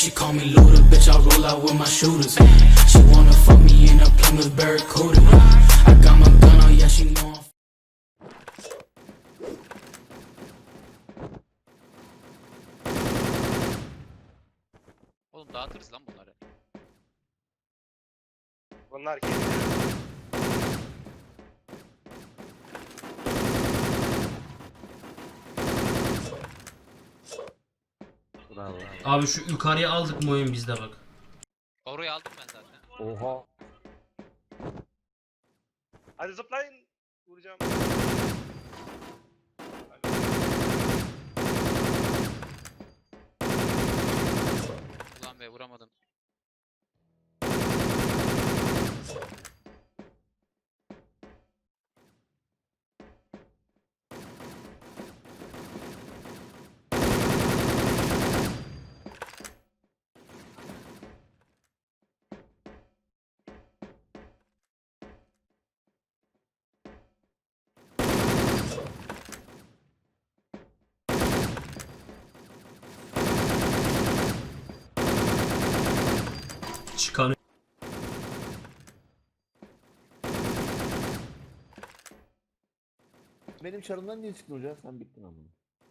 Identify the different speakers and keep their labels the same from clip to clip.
Speaker 1: She call me Luda, bitch, I roll out with my shooters. She wanna fuck me in a Plymouth Barracuda. I got my gun on, yeah, she know I'm
Speaker 2: Oğlum dağıtırız lan bunları.
Speaker 3: Bunlar geliyor.
Speaker 4: Bravo.
Speaker 5: Abi şu yukarıya aldık mı oyun bizde bak.
Speaker 2: Orayı aldım ben zaten.
Speaker 4: Oha.
Speaker 3: Hadi zıplayın. Vuracağım.
Speaker 2: Ulan be vuramadım.
Speaker 5: Çıkan
Speaker 4: Benim çarımdan niye çıktın hocam? Sen bittin ama.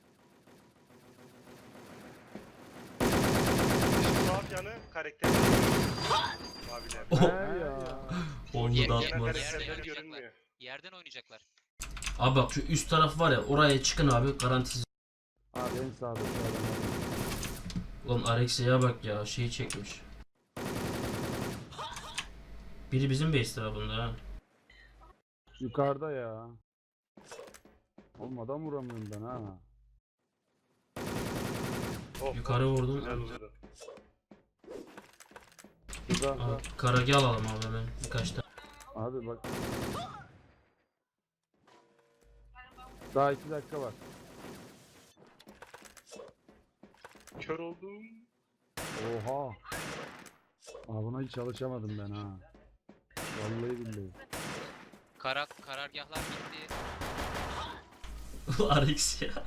Speaker 3: Şu tuhaf yanı karakter. Abiler.
Speaker 5: Oh.
Speaker 4: ya.
Speaker 5: onu
Speaker 2: Ye-
Speaker 5: da
Speaker 2: ye-
Speaker 5: atmaz.
Speaker 3: karakterleri
Speaker 2: Yerden
Speaker 3: görünmüyor.
Speaker 2: Yerden oynayacaklar.
Speaker 5: Abi bak şu üst taraf var ya, oraya çıkın abi, garantisiz.
Speaker 4: Abi en sağda.
Speaker 5: Ulan Alexey'e bak ya, şeyi çekmiş. Biri bizim base tarafında ha.
Speaker 4: Yukarıda ya. Oğlum adam vuramıyorum ben ha.
Speaker 3: Oh,
Speaker 5: Yukarı
Speaker 3: oh,
Speaker 5: vurdum.
Speaker 3: güzel vurdu.
Speaker 4: Şurada.
Speaker 5: Abi, karagi alalım abi hemen birkaç tane.
Speaker 4: Abi bak. Daha 2 dakika var.
Speaker 3: Kör oldum.
Speaker 4: Oha. Aa buna hiç çalışamadım ben ha. Vallahi billahi.
Speaker 2: Karargahlar gitti.
Speaker 5: Alex ya.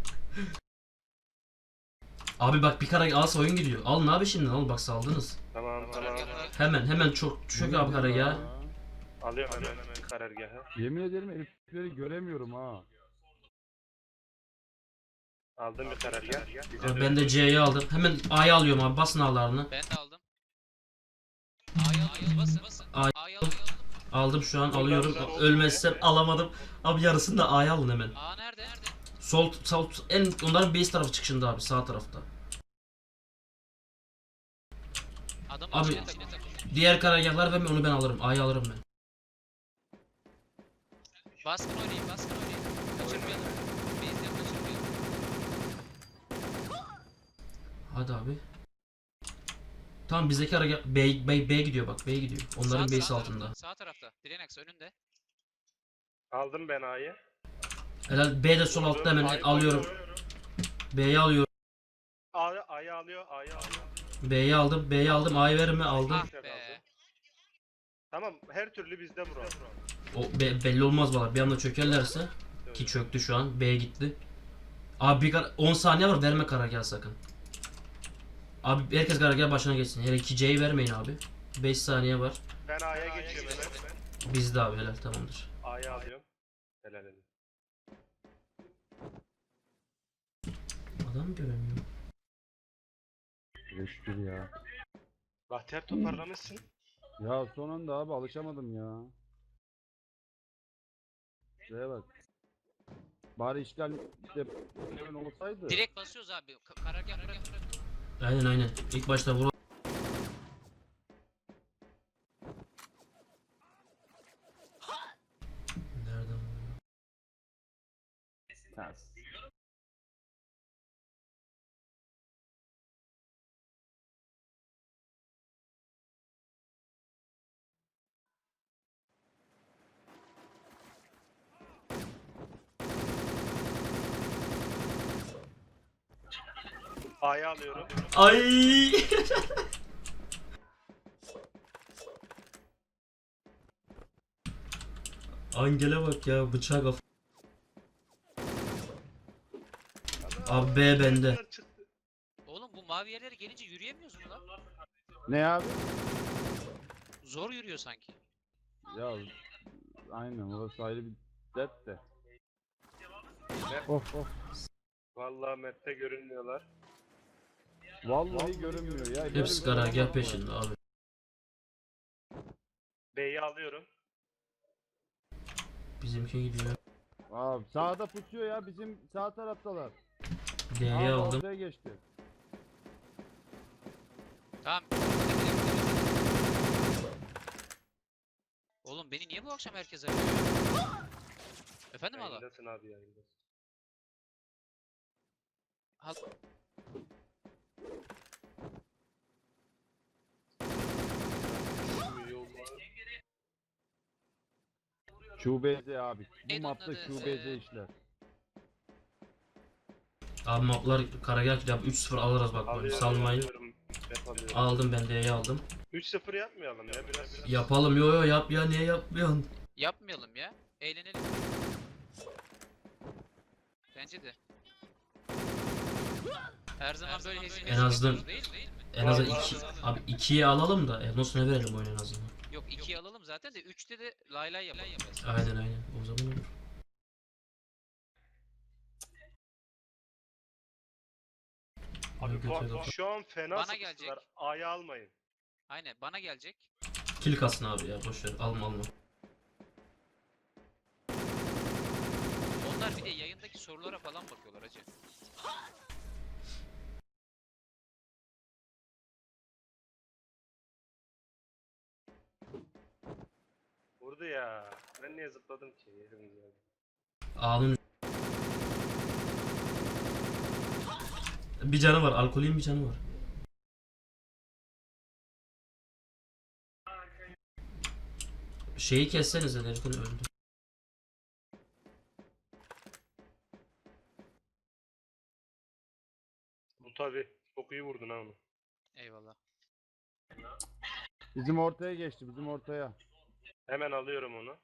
Speaker 5: Abi bak bir karagi alsa oyun gidiyor. Alın abi şimdi, al bak saldınız.
Speaker 3: Tamam.
Speaker 2: Karargahlar.
Speaker 5: Hemen çok abi karagi ya.
Speaker 3: Alıyorum hemen karargahı.
Speaker 4: Yemin ederim herifleri göremiyorum ha.
Speaker 3: Aldım bir karargah. Bize
Speaker 5: Abi
Speaker 3: dön.
Speaker 5: ben de C'yi aldım. Hemen A'yı alıyorum abi, basın A'larını.
Speaker 2: Ben de aldım. A'yı alıyoruz basın.
Speaker 5: A'yı
Speaker 2: A'yı aldım.
Speaker 5: Aldım şu an,
Speaker 3: Buradan
Speaker 5: alıyorum.
Speaker 3: güzel oldu
Speaker 5: Ölmezsem
Speaker 3: ya.
Speaker 5: alamadım. Abi yarısını da A'ya alın hemen.
Speaker 2: A nerede?
Speaker 5: Sol en onların base tarafı çıkışında abi, sağ tarafta.
Speaker 2: Adam
Speaker 5: Abi-
Speaker 2: içine takıldı.
Speaker 5: Diğer karargahlar ve onu ben alırım. A'yı alırım ben.
Speaker 2: Baskın oynayın. Kaçırmayalım. Base'den kaçırmayalım.
Speaker 5: Hadi abi. Tamam, bizdeki karargah B gidiyor bak. B gidiyor. Onların base altında.
Speaker 2: Sağ tarafta. Direnex önünde.
Speaker 3: Aldım ben A'yı.
Speaker 5: Helal, B de sol altta, hemen
Speaker 3: A'yı
Speaker 5: alıyorum.
Speaker 3: koyuyorum.
Speaker 5: B'yi alıyorum.
Speaker 3: A'yı alıyor.
Speaker 5: B'yi aldım. B'yi aldım. A'yı verir mi? Aldım.
Speaker 2: Ah be.
Speaker 3: Tamam, her türlü bizde vuralım.
Speaker 5: O belli olmaz valla. Bir anda çökerlerse, ki çöktü şu an. B gitti. Abi 10 saniye var, verme karargah sakın. Abi herkes karargah başına geçsin. Hele 2C'yi vermeyin abi. 5 saniye var.
Speaker 3: Ben A'ya geçiyorum hemen.
Speaker 5: Bizde abi, helal, tamamdır.
Speaker 3: A'yı alıyorum. Helal helal.
Speaker 5: Adam göremiyorum.
Speaker 4: Reşkür ya.
Speaker 3: Bahtiyar toparlamışsın.
Speaker 4: Ya son anda abi alışamadım ya. Şuraya bak. Bari işgal işte hemen olsaydı.
Speaker 2: Direkt basıyoruz abi. Karargah.
Speaker 5: Aynen. İlk başta vur. Nereden vuruyor?
Speaker 4: Ters.
Speaker 3: A'yı alıyorum.
Speaker 5: Ay! Angel'e bak ya, bıçak af. Abi B bende.
Speaker 3: Çıktı.
Speaker 2: Oğlum bu mavi yerlere gelince yürüyemiyoruz mu lan?
Speaker 4: Ne abi?
Speaker 2: Zor yürüyor sanki.
Speaker 4: Ya aynen orası ayrı bir dert de. Of of.
Speaker 3: Vallahi map'te görünmüyorlar.
Speaker 4: Vallahi görünmüyor ya. Böyle
Speaker 5: Hepsi
Speaker 4: bir şey
Speaker 5: karargah
Speaker 4: olamaz
Speaker 5: peşinde abi.
Speaker 3: B'yi alıyorum.
Speaker 5: Bizimki gidiyor.
Speaker 4: Abi sağda pusuyor ya, bizim sağ taraftalar.
Speaker 5: D'yi
Speaker 4: Abi
Speaker 5: aldım.
Speaker 4: ortaya geçti.
Speaker 2: Tamam. Oğlum beni niye bu akşam herkes arıyor? Efendim hala?
Speaker 3: Yayındasın abi, yayındasın.
Speaker 2: Hal
Speaker 3: Şu yollar.
Speaker 4: QBZ abi. Bu
Speaker 2: Neydi
Speaker 4: mapta
Speaker 2: onun adı?
Speaker 4: QBZ işler.
Speaker 5: Abi maplar karargah gidiyor. 3-0 alırız bak böyle salmayın.
Speaker 3: Alıyorum. Map alıyorum.
Speaker 5: Aldım ben D'yi aldım.
Speaker 3: 3-0 yapmayalım ya biraz.
Speaker 5: Yapalım yo yap ya, niye yapmıyorsun?
Speaker 2: yapmayalım ya. Eğlenelim. Bence de. Her zaman böyle hezimesiz
Speaker 5: En azından-
Speaker 2: yapıyoruz değil mi?
Speaker 5: En azından
Speaker 3: Vallahi-
Speaker 5: 2 abi 2'yi alalım da Enos'una verelim oyunu en azından.
Speaker 2: Yok 2'yi alalım zaten de 3'te de lay lay yapalım.
Speaker 5: Aynen aynen. O zaman olur.
Speaker 3: Abi
Speaker 5: Götür bakalım.
Speaker 3: şu an fena
Speaker 2: Bana
Speaker 3: sıkıntılar.
Speaker 2: gelecek.
Speaker 3: A'yı almayın.
Speaker 2: Aynen bana gelecek.
Speaker 5: Kill kalsın abi ya, boş ver. Alma alma.
Speaker 2: Onlar bir de yayındaki sorulara falan bakıyorlar hacı.
Speaker 3: Vurdu ya. Ben niye zıpladım ki? Yerim ya.
Speaker 5: A'nın bir canı var. Alkolün bir canı var. Şeyi kessenize, Derken öldü.
Speaker 3: Bu tabi. Çok iyi vurdun ha onu.
Speaker 2: Eyvallah.
Speaker 4: Bizim ortaya geçti, bizim ortaya.
Speaker 3: Hemen alıyorum onu.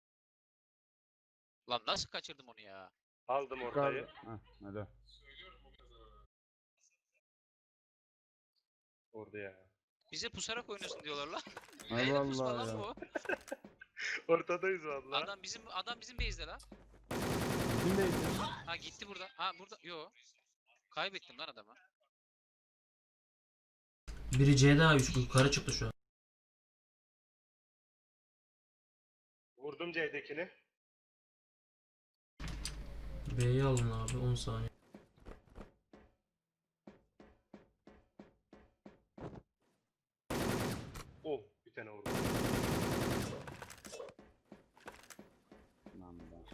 Speaker 2: Lan nasıl kaçırdım onu ya?
Speaker 3: Aldım ortayı.
Speaker 4: Yukarıda. Heh, hadi.
Speaker 3: Vurdu ya.
Speaker 2: Bize pusarak oynuyorsun diyorlar lan.
Speaker 4: Hay
Speaker 2: Neyle pusma
Speaker 4: vallahi
Speaker 2: lan
Speaker 4: ya.
Speaker 2: bu?
Speaker 3: Ortadayız vallahi.
Speaker 2: Adam bizim base'de lan.
Speaker 4: Bizim de
Speaker 2: Ha gitti burada. Ha burada. Yo. Kaybettim lan adamı.
Speaker 5: Biri C'de 3 yukarı çıktı şu an.
Speaker 3: Vurdum C'dekini.
Speaker 5: B'yi alın abi, 10 saniye.
Speaker 3: Oh, bir tane vurdum.
Speaker 4: Lan be.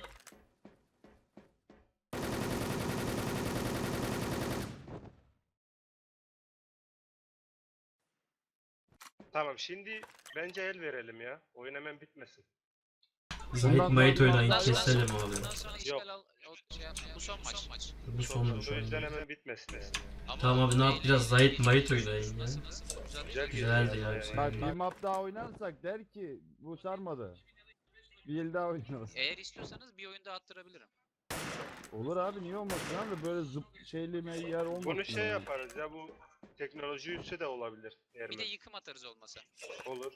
Speaker 3: Tamam, şimdi bence el verelim ya. Oyun hemen bitmesin.
Speaker 5: Zahit
Speaker 4: Bundan
Speaker 5: Mayit
Speaker 4: sonra
Speaker 5: oynayın,
Speaker 4: biraz daha-
Speaker 5: keselim abi.
Speaker 2: Bundan sonra işgal al. Şey yapma. Bu son maç.
Speaker 5: Bu sonmuş
Speaker 3: O yüzden
Speaker 5: oyun.
Speaker 3: hemen bitmesin yani.
Speaker 5: Tamam abi, ne yap, biraz Zahit Mayit oynayın ya.
Speaker 2: Nasıl?
Speaker 3: Güzel
Speaker 5: Güzeldi
Speaker 3: geliyor
Speaker 5: ya,
Speaker 3: yani.
Speaker 5: güzel.
Speaker 4: Bak bir map daha oynarsak der ki bu sarmadı. Bir el daha oynarız.
Speaker 2: Eğer istiyorsanız bir oyun daha attırabilirim.
Speaker 4: Olur abi, niye olmasın abi, böyle zıp şeyli yer olmasın.
Speaker 3: Bunu şey
Speaker 4: yani.
Speaker 3: yaparız ya, bu teknoloji üssü de olabilir. Eğer
Speaker 2: Bir de yıkım atarız olmasa.
Speaker 3: olur.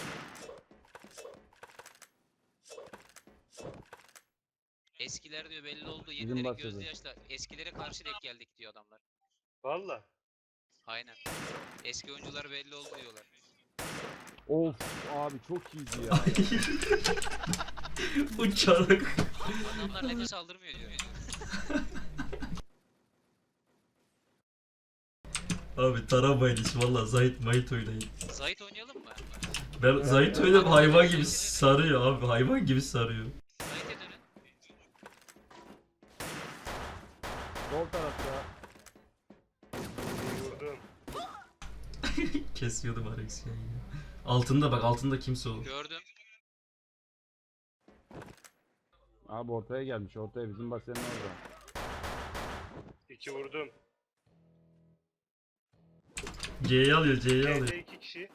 Speaker 2: Eskiler diyor belli oldu.
Speaker 4: Bizim
Speaker 2: Yenilerin
Speaker 4: bahsediyor.
Speaker 2: gözlü yaşla. Eskilere karşı denk geldik diyor adamlar.
Speaker 3: Valla.
Speaker 2: Aynen. Eski oyuncular belli oldu diyorlar.
Speaker 4: Of abi çok iyiydi ya.
Speaker 5: Uçarak.
Speaker 2: Adamlar nefes aldırmıyor diyor.
Speaker 5: Abi taramayın hiç, valla Zahit Mayit oynayın.
Speaker 2: Zahit oynayalım mı?
Speaker 5: Ben Zahit oynayıp hayvan gibi sarıyor abi, hayvan gibi sarıyor.
Speaker 2: Zahit'e dönün.
Speaker 4: Sol tarafta.
Speaker 3: Vurdum.
Speaker 5: Kesiyordum Alex ya yine. Altında bak, altında kimse olur.
Speaker 2: Gördüm.
Speaker 4: Abi ortaya gelmiş, ortaya, bizim basenin orada.
Speaker 3: 2 vurdum.
Speaker 5: C'yi alıyor, C'yi alıyor.
Speaker 3: C'de 2 kişi.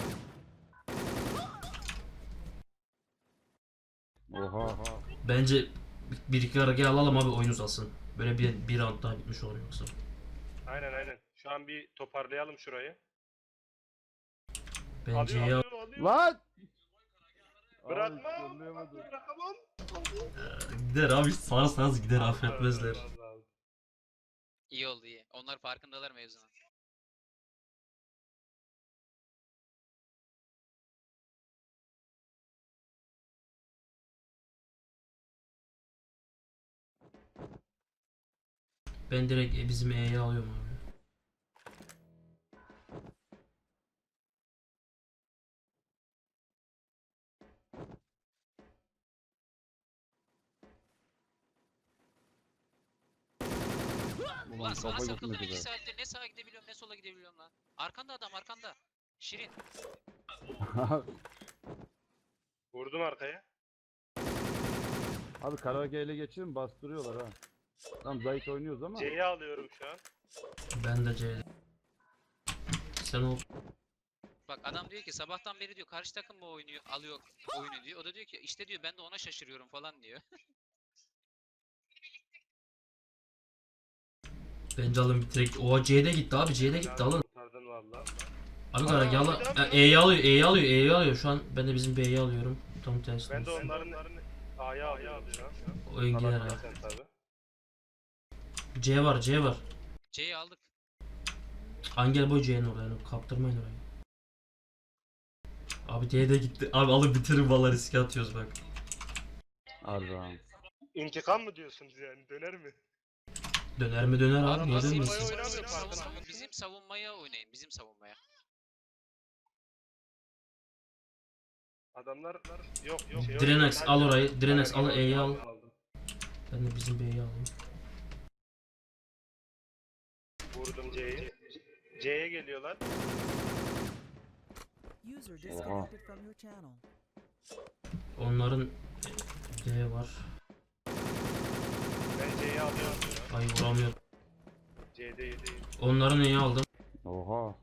Speaker 4: Oha.
Speaker 5: Bence bir iki araya alalım abi, oyun uzasın. Böyle bir round daha bitmiş olur yoksa.
Speaker 3: Aynen. Şu an bir toparlayalım şurayı.
Speaker 5: Ben C'yi al.
Speaker 3: alıyor.
Speaker 4: Lan!
Speaker 3: Bırakma.
Speaker 4: Abi, zorlayamadım.
Speaker 3: Bırakamam.
Speaker 5: Gider abi sarsanız gider affetmezler.
Speaker 3: Allah.
Speaker 2: İyi oldu iyi. Onlar farkındalar mevzunun.
Speaker 5: Ben direkt bizim E'yi alıyorum abi.
Speaker 2: Ulan
Speaker 4: Ulan
Speaker 2: sana
Speaker 4: kafa
Speaker 2: sakıldım
Speaker 4: gitmedi
Speaker 2: 2
Speaker 4: be.
Speaker 2: saattir ne sağa gidebiliyorum ne sola gidebiliyorum lan. Arkanda adam arkanda. Şirin.
Speaker 3: Vurdum arkaya.
Speaker 4: Abi karaoke ile geçirin bastırıyorlar ha. Tam Zayt oynuyoruz ama.
Speaker 3: C'yi alıyorum şu an.
Speaker 5: Ben de C'de. Sen ol.
Speaker 2: Bak adam diyor ki sabahtan beri diyor karşı takım mı oynuyor alıyor oyunu diyor. O da diyor ki işte diyor ben de ona şaşırıyorum falan diyor.
Speaker 5: Bence alın bitirek. Oha C'de gitti abi C'de gitti alın.
Speaker 3: Kurtardın valla.
Speaker 5: Abi karargahla E'yi alıyor E'yi alıyor E'yi alıyor şu an ben de bizim B'yi alıyorum. Tam tersi.
Speaker 3: Ben de onların A'ya alıyorum şu an.
Speaker 5: Oyun gider
Speaker 3: Bana
Speaker 5: abi.
Speaker 3: sen tabi.
Speaker 5: C var C var.
Speaker 2: C'yi aldık.
Speaker 5: Angel boy C'nin oraya yani kaptırmayın orayı. Abi D'de gitti. Abi alın bitirin valla riske atıyoruz bak.
Speaker 4: Arda.
Speaker 3: İntikam mı diyorsunuz yani? Döner mi?
Speaker 5: Döner mi döner abi
Speaker 3: Adam
Speaker 5: niye
Speaker 3: nasıl
Speaker 5: dönmesin?
Speaker 3: bayağı oynamıyor farkında mısın?
Speaker 2: Bizim savunmaya oynayın bizim savunmaya.
Speaker 3: Adamlar yok yok.
Speaker 5: Drenex al orayı. Drenex al
Speaker 3: Aynen,
Speaker 5: E'yi al.
Speaker 3: aldım.
Speaker 5: Ben de bizim B'yi alayım.
Speaker 3: Vurdum C'yi. C'ye geliyorlar.
Speaker 6: User disconnected from your channel.
Speaker 5: Onların D var.
Speaker 3: Ben C'yi alıyorum.
Speaker 5: Ay vuramıyor.
Speaker 3: C'de
Speaker 5: Onların E'yi aldım.
Speaker 4: Oha.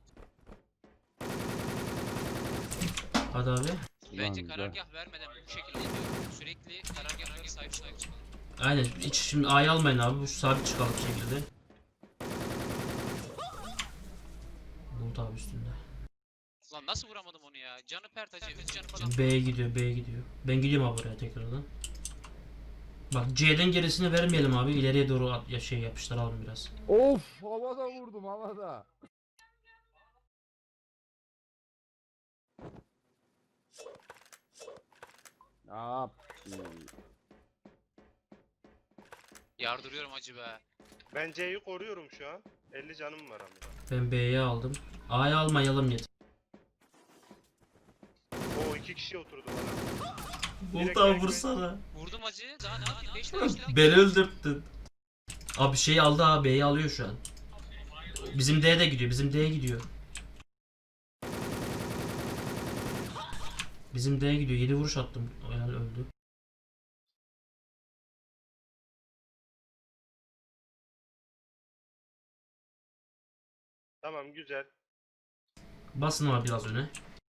Speaker 5: Hadi abi.
Speaker 2: Bence
Speaker 4: güzel.
Speaker 2: karargah vermeden bu şekilde gidiyor. Sürekli karargahlara sahip çıkalım.
Speaker 5: Aynen hiç şimdi A'yı almayın abi. Bu sabit çıkalım bir şekilde. Bulut abi üstünde.
Speaker 2: Lan nasıl vuramadım onu ya? Canı pert acı. 3 canı falan.
Speaker 5: Şimdi B'ye gidiyor B'ye gidiyor. Ben gidiyorum abi oraya tekrardan. Bak C'den gerisini vermeyelim abi. İleriye doğru ya şey yapıştıralım biraz.
Speaker 4: Of havada vurdum havada. Ne yaptın?
Speaker 2: Yardırıyorum acı be.
Speaker 3: Ben C'yi koruyorum şu an. 50 canım var ama.
Speaker 5: Ben B'yi aldım. A'yı almayalım yeter.
Speaker 3: O 2 kişi oturdu bana.
Speaker 5: Bulut abi vursana.
Speaker 2: Vurdum acı. Daha ne yapayım? 5 lira 5 lira.
Speaker 5: Beni öldürttün. Abi şeyi aldı abi B'yi alıyor şu an. Bizim D'ye de gidiyor. Bizim D'ye gidiyor. Bizim D'ye gidiyor. 7 vuruş attım. Yani öldü.
Speaker 3: Tamam güzel.
Speaker 5: Basın abi biraz öne.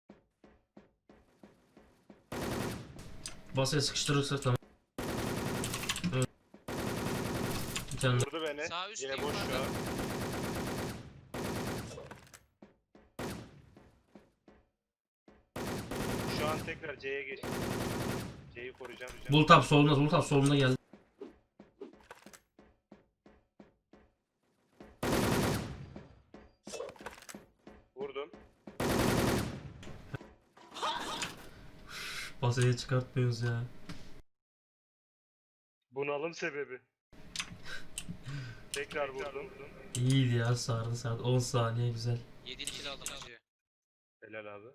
Speaker 5: Basaya sıkıştırırsak tamam. Evet. Bir tane
Speaker 3: Vurdu beni.
Speaker 2: Sağ üst
Speaker 3: Yine boş şu
Speaker 2: yukarıda.
Speaker 3: an. Şu an tekrar C'ye geçtim. C'yi koruyacağım.
Speaker 5: Bulut abi solunda, Bulut abi solunda geldi.
Speaker 3: Vurdum.
Speaker 5: Basaya çıkartmıyoruz ya.
Speaker 3: Bunalım sebebi. Tekrar vurdum.
Speaker 5: İyiydi ya sardı sardı. 10 saniye güzel.
Speaker 2: 7 kill aldım acı.
Speaker 3: Helal abi.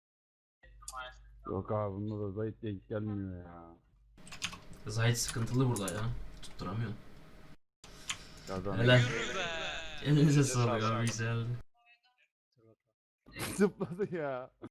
Speaker 4: Yok abi bunda da Zayt denk gelmiyor ya.
Speaker 5: Zahit sıkıntılı burada ya. Tutturamıyor.
Speaker 4: Kazan.
Speaker 5: Helal.
Speaker 2: Yürü be.
Speaker 5: Elinize
Speaker 3: sağlık
Speaker 5: sağlık abi
Speaker 3: abi.
Speaker 5: güzeldi.
Speaker 4: Zıpladı ya.